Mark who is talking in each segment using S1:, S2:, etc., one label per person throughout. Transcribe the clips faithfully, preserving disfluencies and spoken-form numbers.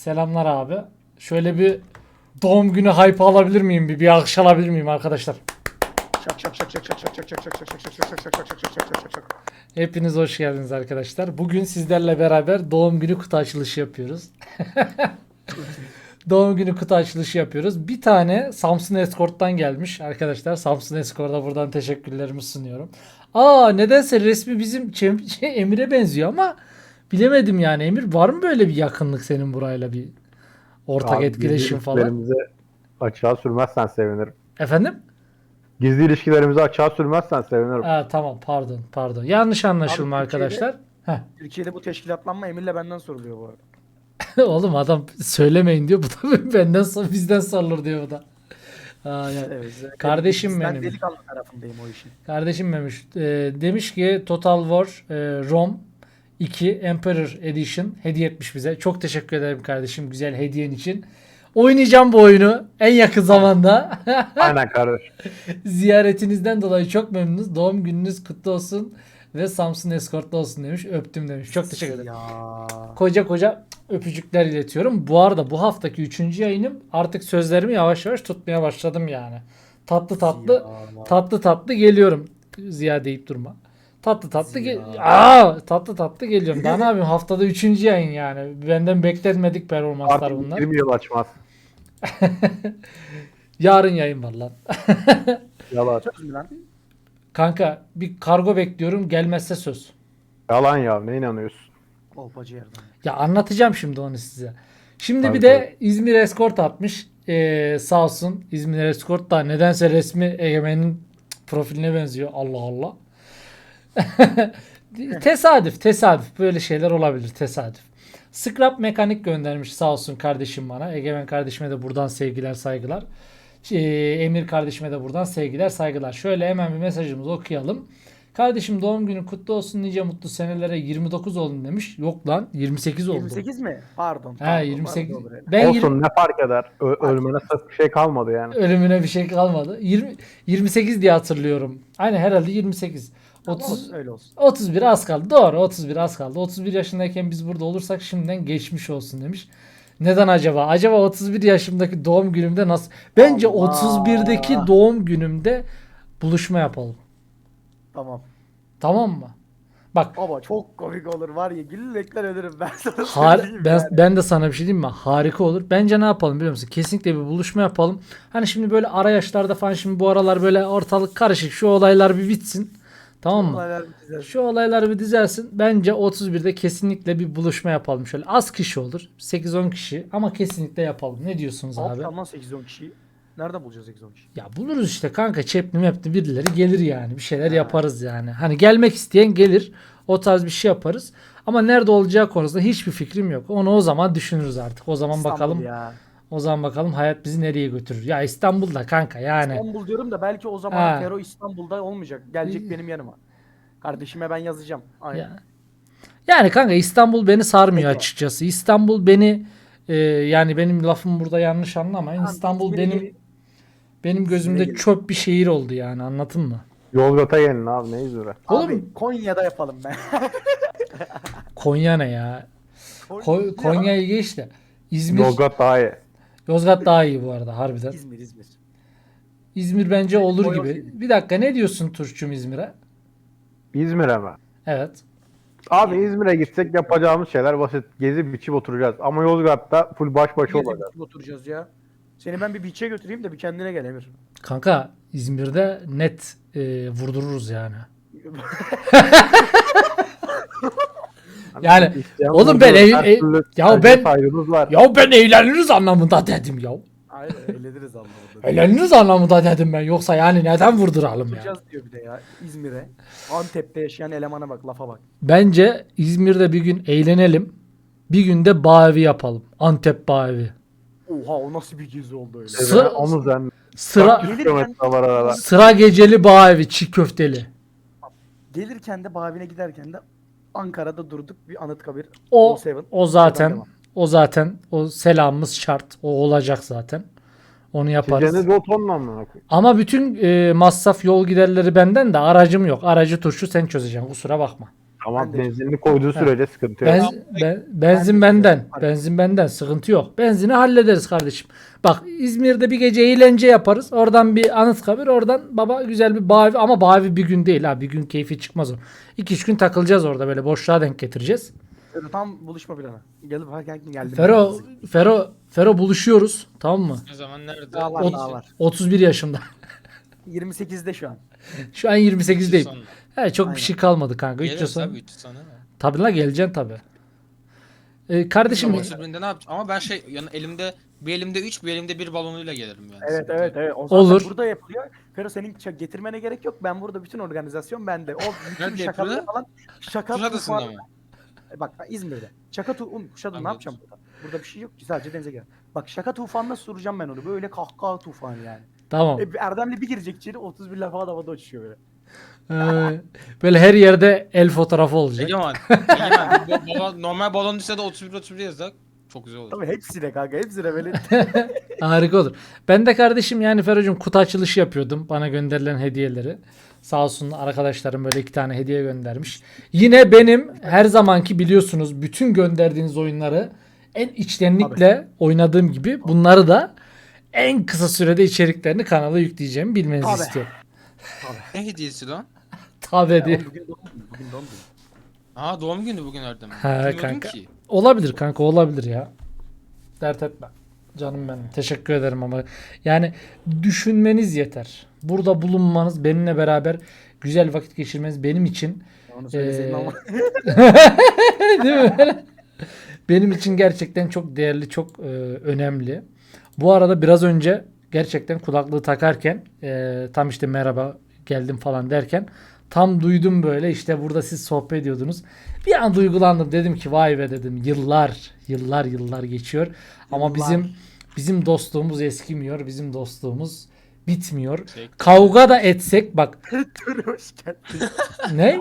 S1: Selamlar abi. Şöyle bir doğum günü hype alabilir miyim? Bir, bir alkış alabilir miyim arkadaşlar?
S2: Şak şak şak şak şak şak şak şak şak şak şak şak şak şak şak şak şak şak şak şak.
S1: Hepiniz hoş geldiniz arkadaşlar. Bugün sizlerle beraber doğum günü kutu açılışı yapıyoruz. Doğum günü kutu açılışı yapıyoruz. Bir tane Samsung Escort'tan gelmiş arkadaşlar. Samsung Escort'a buradan teşekkürlerimi sunuyorum. Aa, nedense resmi bizim Cem- şey, Emir'e benziyor ama bilemedim yani. Emir, var mı böyle bir yakınlık senin burayla, bir ortak
S3: Abi,
S1: etkileşim
S3: gizli
S1: falan?
S3: ilişkilerimizi açığa sürmezsen sevinirim.
S1: Efendim?
S3: Gizli ilişkilerimizi açığa sürmezsen sevinirim.
S1: Aa, tamam, pardon pardon. Yanlış anlaşılma
S2: Abi,
S1: arkadaşlar. Heh.
S2: Türkiye'de bu teşkilatlanma Emir'le benden soruluyor bu arada.
S1: Oğlum adam söylemeyin diyor. Bu da benden sonra bizden sorulur diyor bu da. Aa, yani.
S2: Evet,
S1: Kardeşim
S2: ben
S1: benim.
S2: delikanlı tarafındayım o işin.
S1: Kardeşim demiş. e, demiş ki Total War e, Rome iki Emperor Edition hediye etmiş bize. Çok teşekkür ederim kardeşim, güzel hediyen için. Oynayacağım bu oyunu en yakın zamanda.
S3: Aynen kardeş.
S1: Ziyaretinizden dolayı çok memnunuz. Doğum gününüz kutlu olsun ve Samsung Escort'ta olsun demiş. Öptüm demiş. Çok teşekkür ederim.
S2: Ya.
S1: Koca koca öpücükler iletiyorum. Bu arada bu haftaki üçüncü yayınım, artık sözlerimi yavaş yavaş tutmaya başladım yani. Tatlı tatlı
S2: Ya.
S1: tatlı tatlı geliyorum. Ziya deyip durma. Tatlı tatlı gel
S2: Ziya.
S1: Aa, tatlı tatlı geliyorum. Daha ne yapayım, haftada üçüncü yayın yani. Benden beklenmedik performanslar
S3: Artık
S1: bunlar.
S3: yirmi yıl açmaz.
S1: Yarın yayın var lan.
S3: Yalan.
S2: Söz mü lan?
S1: Kanka bir kargo bekliyorum, gelmezse söz.
S3: Yalan ya, ne inanıyorsun?
S2: Kolpacı yerden.
S1: Ya anlatacağım şimdi onu size. Şimdi
S3: Tabii,
S1: bir de İzmir Escort atmış. Ee, sağ olsun İzmir Escort da nedense resmi Egemen'in profiline benziyor. Allah Allah. Tesadüf, tesadüf. Böyle şeyler olabilir, tesadüf. Scrap Mekanik göndermiş sağ olsun kardeşim bana. Egemen kardeşime de buradan sevgiler, saygılar. Ee, Emir kardeşime de buradan sevgiler, saygılar. Şöyle hemen bir mesajımızı okuyalım. Kardeşim doğum günün kutlu olsun, nice mutlu senelere, yirmi dokuz oldun demiş. Yok lan, yirmi sekiz oldu.
S2: yirmi sekiz mi? Pardon.
S1: He,
S2: pardon,
S1: yirmi sekiz.
S2: pardon, pardon.
S1: Ben
S3: Olsun,
S1: yirmi
S3: ne fark eder? Ö- ölmene sırf bir şey kalmadı yani.
S1: ölümüne bir şey kalmadı. yirmi yirmi sekiz diye hatırlıyorum. Aynen, herhalde yirmi sekiz.
S2: Tamam,
S1: otuz
S2: olsun, öyle olsun.
S1: otuz bir az kaldı. Doğru, otuz bir az kaldı. otuz bir yaşındayken biz burada olursak şimdiden geçmiş olsun demiş. Neden acaba? Acaba otuz bir yaşımdaki doğum günümde nasıl? Bence
S2: Allah.
S1: otuz birdeki doğum günümde buluşma yapalım.
S2: Tamam.
S1: Tamam mı? Bak,
S2: Ama çok komik olur var ya, gülmekten ölürüm ben sana
S1: har
S2: söyleyeyim
S1: ben,
S2: yani.
S1: ben de sana bir şey diyeyim mi? Harika olur. Bence ne yapalım biliyor musun? Kesinlikle bir buluşma yapalım. Hani şimdi böyle ara yaşlarda falan, şimdi bu aralar böyle ortalık karışık. Şu olaylar bir bitsin. Tamam mı?
S2: Olaylar bitecek.
S1: Şu olaylar bir düzelsin. Bence otuz birde kesinlikle bir buluşma yapalım. Şöyle az kişi olur. sekiz on kişi ama kesinlikle yapalım. Ne diyorsunuz abi?
S2: Abi. sekiz on kişiyi. Nereden bulacağız sekiz on kişi?
S1: Ya buluruz işte kanka. Çepli mepli birileri gelir yani. Bir şeyler
S2: Ha.
S1: yaparız yani. Hani gelmek isteyen gelir. O tarz bir şey yaparız. Ama nerede olacağı konusunda hiçbir fikrim yok. Onu o zaman düşünürüz artık. O zaman
S2: İstanbul
S1: bakalım.
S2: ya.
S1: O zaman bakalım hayat bizi nereye götürür. Ya İstanbul'da kanka yani.
S2: İstanbul diyorum da belki o zaman
S1: Ha.
S2: Fero İstanbul'da olmayacak. Gelecek benim yanıma. Kardeşime ben yazacağım. Aynen.
S1: Ya. Yani kanka İstanbul beni sarmıyor
S2: Peki.
S1: açıkçası. İstanbul beni e, yani benim lafım burada yanlış anlamayın.
S2: Tamam,
S1: İstanbul
S2: İzmir'e
S1: benim
S2: gelin.
S1: benim gözümde
S2: gelin.
S1: çöp bir şehir oldu yani, anladın mı?
S3: Yozgat'a gelin abi, ne İzmir'e?
S1: Oğlum-
S2: Abi Konya'da yapalım ben.
S1: Konya ne ya? Ko- Konya'yı geç de. İzmir,
S3: Yozgat daha iyi.
S1: Yozgat daha iyi bu arada harbiden.
S2: İzmir İzmir.
S1: İzmir bence olur
S2: Konya
S1: gibi.
S2: olsaydı.
S1: Bir dakika, ne diyorsun Turşu'm İzmir'e?
S3: İzmir'e mi?
S1: Evet.
S3: Abi İzmir'e gitsek yapacağımız şeyler basit. Gezip biçip oturacağız. Ama Yozgat'ta full baş başa
S2: Gezip
S3: olacağız.
S2: oturacağız ya. Seni ben bir beach'e götüreyim de bir kendine gel Emir.
S1: Kanka İzmir'de net e, vurdururuz yani. Yani
S3: İsteyen
S1: oğlum ben
S3: bulur,
S1: ev-
S3: her
S1: ev-
S3: türlü
S1: ya
S3: tercih
S1: ben-
S3: saygımız var.
S1: Ya ben eğleniriz anlamında dedim ya.
S2: Aynen eğleniriz anlamında.
S1: Eğleniriz anlamında dedim ben. Yoksa yani neden vurduralım ya?
S2: Oturacağız diyor bir de ya İzmir'e. Antep'te yaşayan elemana bak, lafa bak.
S1: Bence İzmir'de bir gün eğlenelim. Bir gün de bağ evi yapalım. Antep bağ evi.
S2: Oha, o nasıl bir gezi oldu öyle.
S1: Sıra-
S3: Evine onu zen.
S1: Sıra
S2: Gelirken-
S3: kilometre var arada.
S1: sıra geceli bağ evi, çiğ köfteli.
S2: Gelirken de Bavi'ne giderken de Ankara'da durduk bir Anıtkabir.
S1: O
S2: All Seven.
S1: o zaten
S2: Oradan
S1: o zaten o selamımız şart. O olacak zaten. Onu yaparız.
S3: Sizce ne tonla mı?
S1: Ama bütün e, masraf, yol giderleri benden de, aracım yok. Aracı Turşu sen çözeceksin. Kusura bakma.
S3: Tamam,
S2: Ben de-
S3: benzinini koyduğu sürece sıkıntı yok.
S1: Ben, ben- benzin
S2: Ben de-
S1: benden. Benzin benden. Sıkıntı yok. Benzini hallederiz kardeşim. Bak İzmir'de bir gece eğlence yaparız. Oradan bir Anıtkabir. Oradan baba güzel bir Bavi. Ama Bavi bir gün değil ha. Bir gün keyfi çıkmaz o. iki üç gün takılacağız orada. Böyle boşluğa denk getireceğiz.
S2: Tam buluşma planı. Gelip herken geldim.
S1: Fero, Fero, Fero buluşuyoruz. Tamam mı?
S4: Ne zaman nerede?
S2: Daha var,
S1: Ot-
S2: daha var.
S1: otuz bir yaşımda.
S2: yirmi sekizde şu an.
S1: Şu an yirmi sekizdeyim.
S4: Sonra.
S1: He, çok bir
S2: Aynen.
S1: şey kalmadı kanka. üç yıl
S4: Geliriz
S1: sonra.
S4: tabii üç yıl sonra.
S1: Tabii la geleceksin tabii. Ee, kardeşim
S4: Ama otuz binde ne yapacağım? Ama ben şey yani elimde bir elimde üç bir elimde bir balonuyla gelirim yani.
S2: Evet
S4: Sıkıntı
S2: evet
S4: yok.
S2: evet. O zaten
S1: Olur.
S2: burada yapılıyor. Fero senin ç- getirmene gerek yok. Ben burada bütün organizasyon bende. O bütün
S4: Nerede
S2: şakaları
S4: yapılıyor?
S2: falan. Şaka
S4: Kuşadası'nda
S2: tufanı-
S4: mı?
S2: E Bak ben İzmir'de. Şaka tu um, Kuşadası ne
S4: Anladım.
S2: yapacağım burada? Burada bir şey yok ki sadece denize gel. Bak şaka tufanına soracağım ben onu. Böyle kahkaha tufanı yani.
S1: tamam.
S2: E, Erdem'le bir girecek içeri otuz bir lafa havada uçuyor böyle.
S1: Ee, böyle her yerde el fotoğrafı olacak.
S4: Egemen. Egemen. bu balon- normal balon düşse de otuz bir otuz bir yazsak çok güzel olur.
S2: Tabii hepsine kanka hepsine böyle.
S1: Harika olur. Ben de kardeşim yani Ferocum kutu açılışı yapıyordum. Bana gönderilen hediyeleri. Sağ olsun arkadaşlarım böyle iki tane hediye göndermiş. Yine benim her zamanki biliyorsunuz bütün gönderdiğiniz oyunları en içtenlikle oynadığım gibi bunları da en kısa sürede içeriklerini kanala yükleyeceğimi bilmenizi
S2: Tabii.
S1: istiyorum.
S4: Ne hediyesi lan?
S1: Tabii
S2: Ya,
S1: diye.
S2: oğlum bugün doğum günü. Bugün doğum günü.
S4: Aa doğum günü bugün Erdem.
S1: Ha,
S4: Bilmiyordum
S1: kanka.
S4: ki.
S1: Olabilir kanka olabilir ya. Dert etme. Canım benim. Teşekkür ederim ama yani düşünmeniz yeter. Burada bulunmanız, benimle beraber güzel vakit geçirmeniz benim için
S2: Onu söyleseydin
S1: Ee,
S2: ama.
S1: değil mi? Benim için gerçekten çok değerli, çok e, önemli. Bu arada biraz önce gerçekten kulaklığı takarken e, tam işte merhaba geldim falan derken tam duydum böyle işte burada siz sohbet ediyordunuz. Bir an duygulandım dedim ki vay be dedim yıllar yıllar yıllar geçiyor ama
S2: Yıllar.
S1: bizim bizim dostluğumuz eskimiyor. Bizim dostluğumuz bitmiyor.
S4: Şey-
S1: Kavga da etsek bak
S2: Dur hoş geldin.
S1: ne?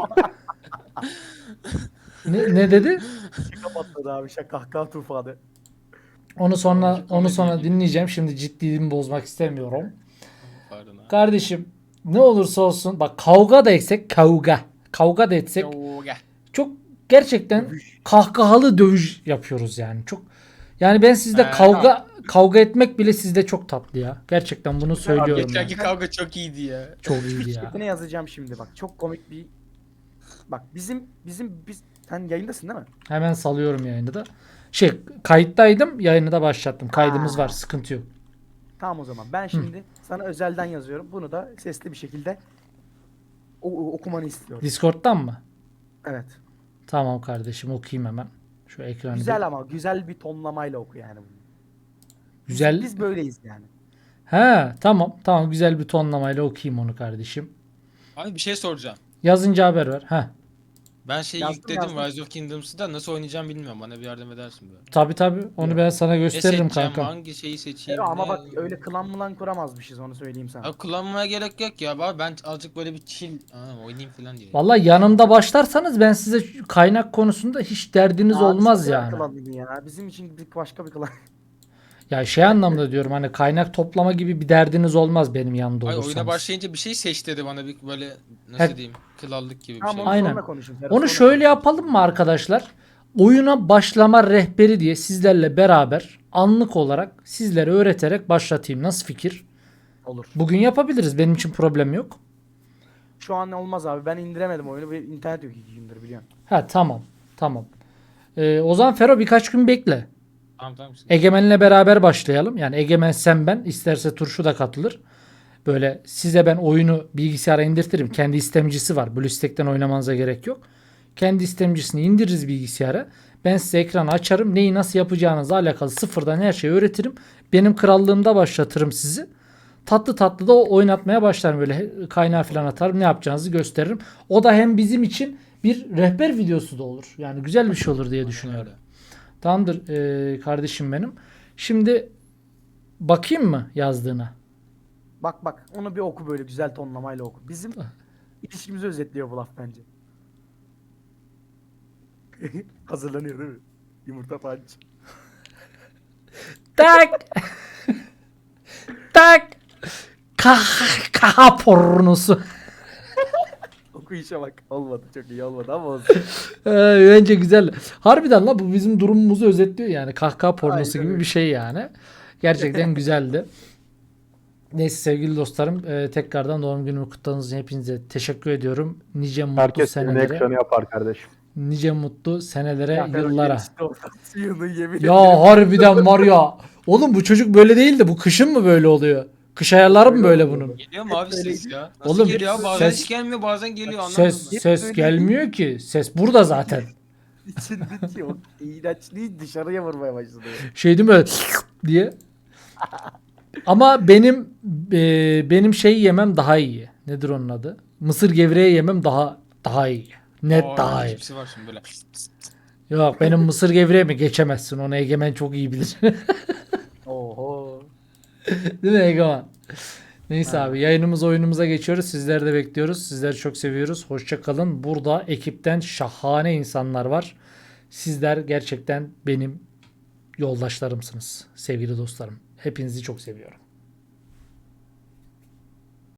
S1: ne ne dedi?
S2: Şaka patladı abi. Şaka kahkaha tufanı.
S1: Onu sonra
S4: Komedi
S1: onu sonra
S4: gibi.
S1: dinleyeceğim. Şimdi ciddiliğimi bozmak istemiyorum.
S4: Pardon ha.
S1: Kardeşim ne olursa olsun bak kavga da etsek kavga. Kavga da etsek
S4: Yo, gel.
S1: çok gerçekten
S2: Dövüş.
S1: kahkahalı dövüş yapıyoruz yani. Çok yani ben sizde
S4: Ee,
S1: kavga kavga etmek bile sizde çok tatlı ya. Gerçekten bunu söylüyorum. yani.
S4: Geçenki kavga çok iyiydi ya.
S1: Çok iyiydi ya.
S2: Ne yazacağım şimdi bak. Çok komik bir. Bak bizim bizim biz sen yayındasın değil mi?
S1: Hemen salıyorum yayını da. Şey kayıttaydım yayını da başlattım. Kaydımız
S2: Ha.
S1: var sıkıntı yok.
S2: Tamam o zaman. Ben şimdi sana özelden yazıyorum. Bunu da sesli bir şekilde o- o- okumanı istiyorum.
S1: Discord'dan mı?
S2: Evet.
S1: Tamam kardeşim okuyayım hemen. Şu ekranı bir-
S2: Güzel ama güzel bir tonlamayla oku yani bunu. Biz-
S1: Güzel.
S2: Biz böyleyiz yani.
S1: He tamam tamam güzel bir tonlamayla okuyayım onu kardeşim.
S4: Abi bir şey soracağım.
S1: Yazınca haber ver. He.
S4: Ben şeyi
S2: Yazdım,
S4: yükledim
S2: yazdım.
S4: Rise of Kingdoms'ı da nasıl oynayacağım bilmiyorum. Bana bir yardım edersin böyle.
S1: Tabi tabi onu ben sana
S4: Ne
S1: gösteririm
S4: seçeceğim,
S1: kanka.
S4: hangi şeyi seçeyim?
S2: Ama
S4: ne-
S2: bak öyle klan mılan kuramazmışız onu söyleyeyim sana.
S4: Abi kullanmaya gerek yok ya. Abi ben azıcık böyle bir chill aa, oynayayım falan diye.
S1: Vallahi yanımda başlarsanız ben size şu kaynak konusunda hiç derdiniz
S2: Abi
S1: olmaz
S2: sakın
S1: yani.
S2: klanını ya. Bizim için bir başka bir klan.
S1: Ya şey anlamda diyorum hani kaynak toplama gibi bir derdiniz olmaz benim yanımda
S4: Ay
S1: olursanız.
S4: oyuna başlayınca bir şey seç dedi bana bir böyle nasıl
S1: He.
S4: diyeyim krallık gibi bir
S2: Tamam
S4: şey.
S2: onu
S1: Aynen.
S2: sonra konuşun. Ferhat,
S1: Onu
S2: sonra
S1: şöyle
S2: konuşun.
S1: yapalım mı arkadaşlar? Oyuna başlama rehberi diye sizlerle beraber anlık olarak sizlere öğreterek başlatayım. Nasıl fikir?
S2: Olur.
S1: Bugün yapabiliriz. Benim için problem yok.
S2: Şu an olmaz abi. Ben indiremedim oyunu. Bir internet yok iki gündür biliyorsun.
S1: Ha tamam. Tamam. Ee, o zaman Fero birkaç gün bekle.
S4: Tamam tamam.
S1: Egemen'le beraber başlayalım. Yani Egemen sen ben isterse Turşu da katılır. Böyle size ben oyunu bilgisayara indirtirim. Kendi istemcisi var. BlueStack'ten oynamanıza gerek yok. Kendi istemcisini indiririz bilgisayara. Ben size ekranı açarım. Neyi nasıl yapacağınızla alakalı sıfırdan her şeyi öğretirim. Benim krallığımda başlatırım sizi. Tatlı tatlı da oynatmaya başlarım. Böyle kaynağı falan atarım. Ne yapacağınızı gösteririm. O da hem bizim için bir rehber videosu da olur. Yani güzel bir şey olur diye düşünüyorum. Tamamdır ee, kardeşim benim. Şimdi bakayım mı yazdığına?
S2: Bak bak onu bir oku böyle güzel tonlamayla oku. Bizim ilişkimizi özetliyor bu laf bence. Hazırlanıyor değil mi? Yumurta panç.
S1: Tak. Tak. Kah kaha pornosu.
S2: okuyuşa bak. Olmadı, çok iyi olmadı ama olsun.
S1: Ee, bence güzel. Harbiden la bu bizim durumumuzu özetliyor yani. Kahkaha pornosu
S2: Aynen
S1: gibi
S2: öyle.
S1: bir şey yani. Gerçekten güzeldi. Neyse sevgili dostlarım, e, tekrardan doğum günümü kutladığınız için hepinize teşekkür ediyorum. Nice mutlu
S3: Herkes evine
S1: senelere,
S3: ekranı yapar kardeşim.
S1: nice mutlu senelere,
S2: Zafer o
S1: yıllara.
S2: gelişti oradan suyunu yemin
S1: Ya
S2: ederim.
S1: harbiden var ya. Oğlum bu çocuk böyle değil de bu kışın mı böyle oluyor? Kış ayarları mı
S2: Öyle
S1: böyle
S2: oluyor.
S1: bunun?
S4: Geliyor mu abi ses
S2: Öyleydi.
S4: ya? Nasıl
S1: Oğlum,
S4: geliyor abi? Bazen
S1: ses-
S4: hiç gelmiyor bazen geliyor anlamadım
S1: Ses
S4: ben.
S1: ses
S2: Hep
S1: gelmiyor ki. Ses burada zaten.
S2: İçindeki o iğrençliği dışarıya vurmaya başladı.
S1: Şey değil mi? diye. Ama benim e, benim şey yemem daha iyi. Nedir onun adı? Mısır gevreği yemem daha daha iyi. Net
S4: Aa,
S1: daha iyi.
S4: hepsi var şimdi böyle.
S1: Yok benim mısır gevreğimi geçemezsin. Onu Egemen çok iyi bilir.
S2: Oho.
S1: Değil mi Egemen? Neyse
S2: Ha.
S1: abi yayınımız oyunumuza geçiyoruz. Sizleri de bekliyoruz. Sizleri çok seviyoruz. Hoşça kalın. Burada ekipten şahane insanlar var. Sizler gerçekten benim yoldaşlarımsınız. Sevgili dostlarım. Hepinizi çok seviyorum.